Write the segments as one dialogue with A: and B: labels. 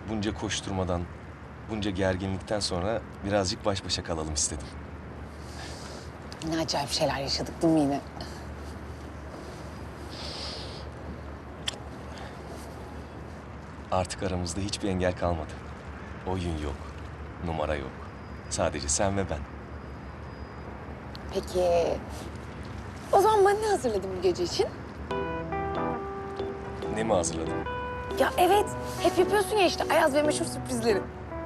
A: bunca koşturmadan, bunca gerginlikten sonra birazcık baş başa kalalım istedim.
B: Ne acayip şeyler yaşadık değil mi yine?
A: Artık aramızda hiçbir engel kalmadı. Oyun yok, numara yok. Sadece sen ve ben.
B: Peki... O zaman bana ne hazırladın bu gece için?
A: Ne mi hazırladın?
B: Ya evet, hep yapıyorsun ya işte Ayaz ve meşhur sürprizleri.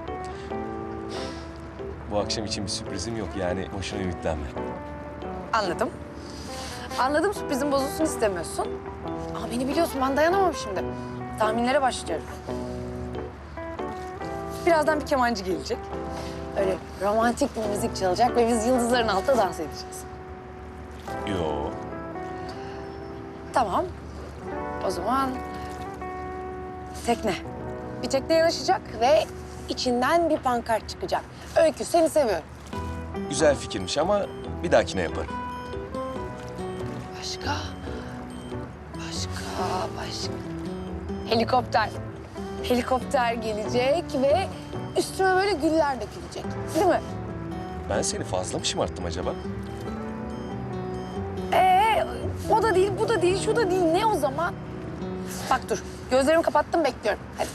A: Bu akşam için bir sürprizim yok, yani boşuna ümitlenme.
B: Anladım. Anladım, sürprizin bozulsun istemiyorsun. Ama beni biliyorsun, ben dayanamam şimdi. Tahminlere başlıyorum. Birazdan bir kemancı gelecek. Öyle romantik bir müzik çalacak ve biz yıldızların altında dans edeceğiz.
A: Yo.
B: Tamam. O zaman tekne. Bir tekne yanaşacak ve içinden bir pankart çıkacak. Öykü, seni seviyorum.
A: Güzel fikirmiş ama bir dahakine yaparım.
B: Başka? Helikopter. Helikopter gelecek ve üstüme böyle güller dökülecek. Değil mi?
A: Ben seni fazla mı şımarttım acaba?
B: O da değil, bu da değil, şu da değil. Ne o zaman? Bak dur, gözlerimi kapattım, bekliyorum. Hadi.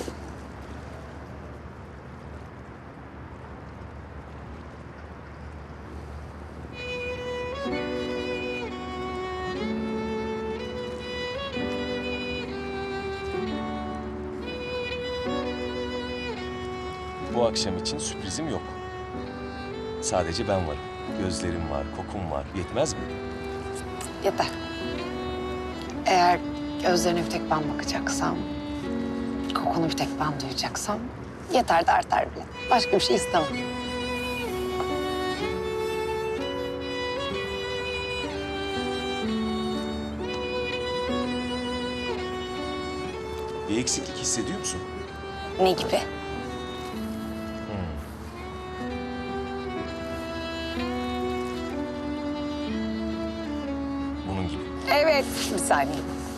A: Bu akşam için sürprizim yok. Sadece ben varım. Gözlerim var, kokum var. Yetmez mi?
B: Yeter. Eğer gözlerine bir tek ben bakacaksam, kokunu bir tek ben duyacaksam yeter de artar bile. Başka bir şey istemem.
A: Bir eksiklik hissediyor musun?
B: Ne gibi?
A: Bunun gibi.
B: Evet, bir saniye.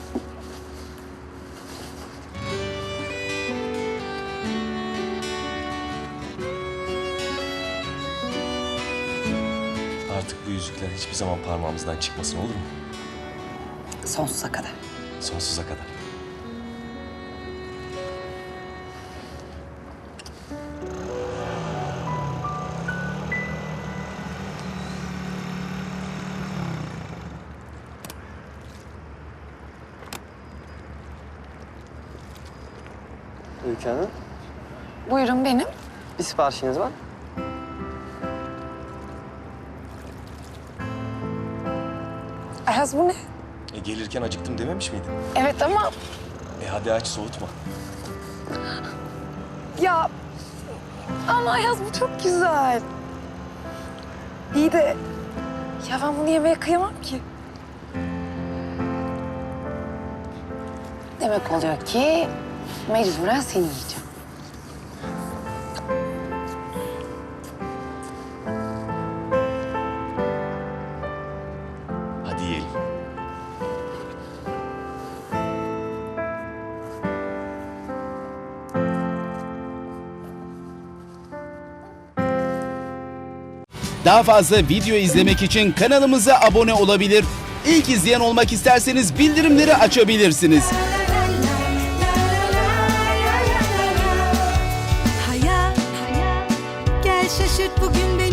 A: Artık bu yüzükler hiçbir zaman parmağımızdan çıkmasın, olur mu?
B: Sonsuza kadar.
A: Sonsuza kadar.
C: Öykü Hanım,
B: Buyurun benim.
C: bir siparişiniz var.
B: Ayaz bu ne?
A: Gelirken acıktım dememiş miydin?
B: Evet ama
A: Hadi aç, soğutma.
B: ya... Ama Ayaz bu çok güzel. İyi de... Ya ben bunu yemeye kıyamam ki. Demek oluyor ki mecburen seni yiyeceğim.
A: Hadi yiyelim.
D: Daha fazla video izlemek için kanalımıza abone olabilir. İlk izleyen olmak isterseniz bildirimleri açabilirsiniz.
E: Hayat, gel şaşırt bugün beni.